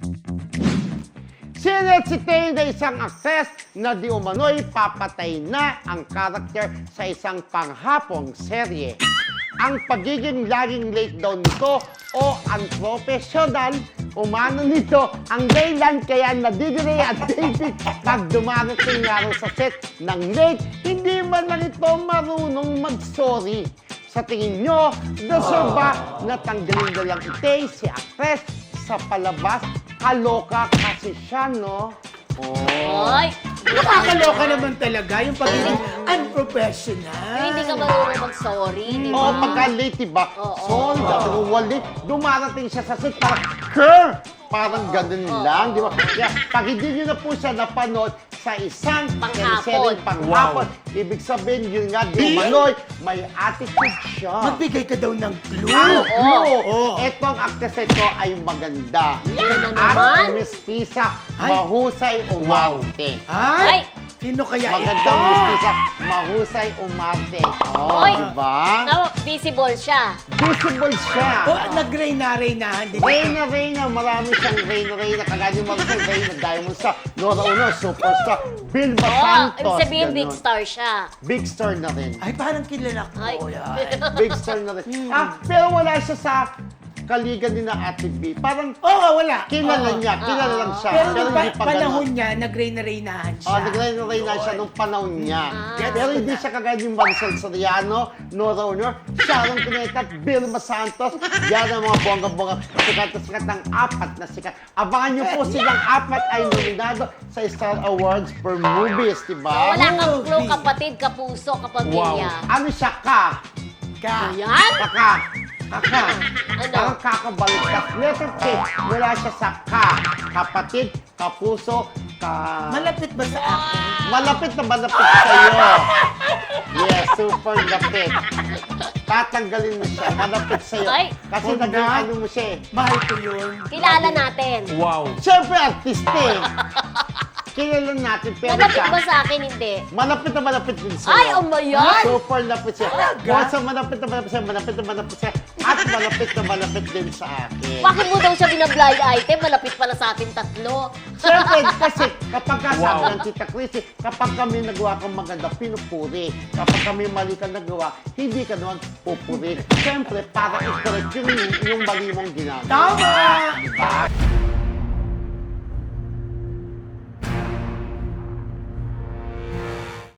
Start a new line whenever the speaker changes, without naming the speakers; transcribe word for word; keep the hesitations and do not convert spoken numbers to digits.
Sinet si Tay na isang aktres na di umano'y papatay na ang karakter sa isang panghapong serye. Ang pagiging laging late daw nito o unprofessional, umano nito ang dahilan kaya nadidiri at David pag dumarating nga raw sa set ng late, hindi man lang ito marunong mag-sorry. Sa tingin nyo, deserve ba na tanggalin na lang Tay si aktres sa palabas? Kaloka kasi siya, no? Oh.
Ay!
Nakakaloka naman talaga yung pagiging unprofessional.
Yung hindi ka marunong mag-sorry, di ba?
Oo, oh, pagka late, diba?
Oo.
Sorry, oh. wali. Dumarating siya sa set, parang, Kerr! Parang ganun lang, di ba? Kaya, pag hindi nyo na po siya napanood sa isang
Panghapon.
teleserye panghapon, ibig sabihin, yun nga, di umano'y, may attitude siya.
Magbigay ka daw ng clue.
Ang clue!
Oo.
Etong actress ito ay maganda.
Yan na
At
naman.
mistisa,
Ay.
mahusay umarte.
Ay!
Ay!
Sino kaya
Magandang
ito?
mistisa, mahusay umarte. Oh,
Oy.
diba?
Tama, visible siya.
Visible siya.
O, nag-reyna-reynahan din.
Reyna, Reyna, marami siyang Reyna, Reyna. Kagaya yung mga Reyna, Diamond Star, Nora Uno, Superstar, Vilma
Oo,
Santos.
ibig sabihin big
ganun.
star siya.
Big star na rin.
Ay, parang kilala ko.
Ay.
Yan.
Big star na rin. Ah, pero wala siya sa kaligan ni na Ate B. Parang
Oo, wala.
kilala
Oo.
niya, kilala lang siya.
Pero nung
hindi
pa-
pa
panahon
ganun.
niya, nag-reyna-reynahan siya.
Oh, nag-Reyna siya nung panahon niya.
Ah.
Pero hindi siya kagaya yung Maricel Soriano, Nora Honor, Sharon Cuneta at Vilma Santos. Yan ang mga bongga-bongga. Sikat na sikat ng apat na sikat. Abangan niyo po silang apat ay nominado sa Star Awards for Movies, di ba?
Wala kang
Movie.
clue, kapatid, kapuso, kapamilya.
Ano siya ka?
Ka.
Ayan!
Kaka. Kaka.
Ano?
Parang kakabaliktad. Letter K. Wala siya sa ka. Kapatid, kapuso, ka...
Malapit ba sa akin?
Malapit na malapit sa'yo. Yes, super lapit. Tatanggalin mo siya, malapit sa'yo.
Ay.
Kasi
Huwag na.
nag-ano mo siya eh.
Mahal ko yun.
Kilala natin.
Wow.
Siyempre, artista eh. Kilala natin, pero
Malapit
siya,
ba sa akin? Hindi.
malapit na malapit din sa'yo.
Ay, oh my God!
Super lapit siya.
Talaga?
Bukod sa malapit na malapit sa'yo, malapit na malapit sa'yo, at malapit na malapit din sa akin.
Bakit mo daw siya binablind item? Malapit pala sa atin tatlo.
Siyempre, kasi kapag kasabi
Wow.
ng Tita Chrissy, kapag kami nagawa kang maganda, pinupuri. Kapag kami mali ka nagawa, hindi ka naman pupuri. Siyempre, para i-correct yung, yung mali mong ginagawa.
Tama!
Diba?